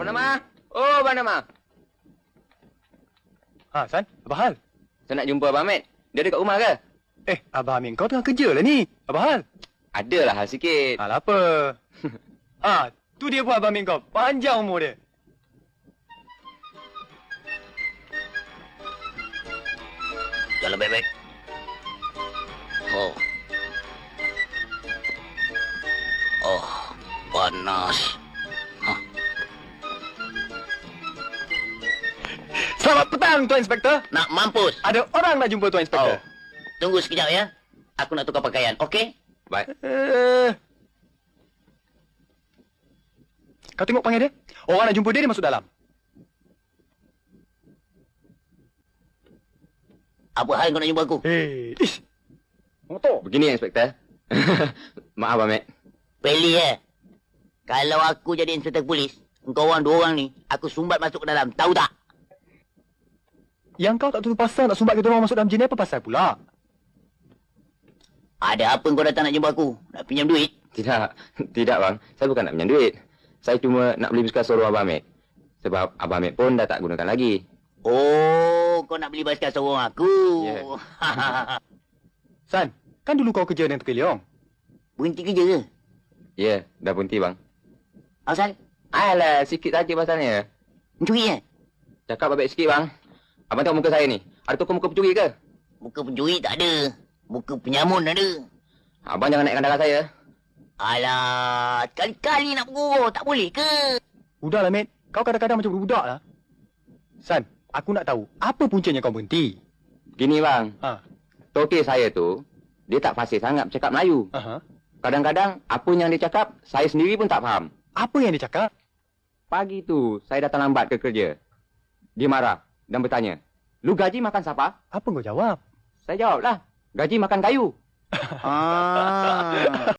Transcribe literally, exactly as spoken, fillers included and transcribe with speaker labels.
Speaker 1: Nama? Oh, Abang Nama.
Speaker 2: Ha, San, apa hal?
Speaker 1: Saya nak jumpa Abang Ahmed. Dia ada kat rumah ke?
Speaker 2: Eh, Abang Amin, kau tengah kerja lah ni. Apa hal?
Speaker 1: Adalah hal sikit.
Speaker 2: Hal apa? Ha, tu dia pun Abang Amin kau. Panjang umur dia.
Speaker 3: Jalan baik-baik. Oh. Oh, panas. Hah?
Speaker 2: Selamat petang, Tuan Inspektor.
Speaker 3: Nak mampus.
Speaker 2: Ada orang nak jumpa Tuan Inspektor.
Speaker 3: Oh. Tunggu sekejap ya. Aku nak tukar pakaian, okey?
Speaker 1: Baik.
Speaker 2: Eh. Kau tengok panggil dia. Orang nak jumpa dia, dia masuk dalam.
Speaker 3: Apa hal kau nak jumpa aku?
Speaker 2: Eh, ish. Motor.
Speaker 1: Begini, Inspektor. Maaf, Abang Ahmed.
Speaker 3: Peli eh. Kalau aku jadi inspektor polis, engkau orang dua orang ni, aku sumbat masuk ke dalam. Tahu tak?
Speaker 2: Yang kau tak tahu pasal nak sumbat kita orang masuk dalam jenis apa pasal pula?
Speaker 3: Ada apa kau datang nak jumpa aku? Nak pinjam duit?
Speaker 1: Tidak. Tidak, Bang. Saya bukan nak pinjam duit. Saya cuma nak beli basikal sorong Abang Ahmed. Sebab Abang Ahmed pun dah tak gunakan lagi.
Speaker 3: Oh, kau nak beli basikal sorong aku?
Speaker 1: Ya.
Speaker 2: San, kan dulu kau kerja dengan Tukil Leong?
Speaker 3: Berhenti kerja ke?
Speaker 1: Ya, dah berhenti, Bang.
Speaker 3: Asal?
Speaker 1: Alah, sikit saja pasalnya.
Speaker 3: Mencuri eh?
Speaker 1: Cakap baik sikit, Bang. Abang tengok muka saya ni. Ada toko muka pencuri ke?
Speaker 3: Muka pencuri tak ada. Muka penyamun ada.
Speaker 1: Abang jangan naikkan darah saya.
Speaker 3: Alah, sekali-kali nak bergurau. Tak boleh ke?
Speaker 2: Udahlah, mate. Kau kadang-kadang macam budak lah. San, aku nak tahu, apa puncanya kau berhenti?
Speaker 1: Gini, Bang.
Speaker 2: Ha.
Speaker 1: Tokek saya tu, dia tak fasih sangat bercakap Melayu.
Speaker 2: Aha.
Speaker 1: Kadang-kadang, apa yang dia cakap, saya sendiri pun tak faham.
Speaker 2: Apa yang dia cakap?
Speaker 1: Pagi tu, saya datang lambat ke kerja. Dia marah dan bertanya, "Lu gaji makan siapa?"
Speaker 2: Apa kau jawab?
Speaker 1: Saya jawablah, "Gaji makan kayu."
Speaker 3: Ah.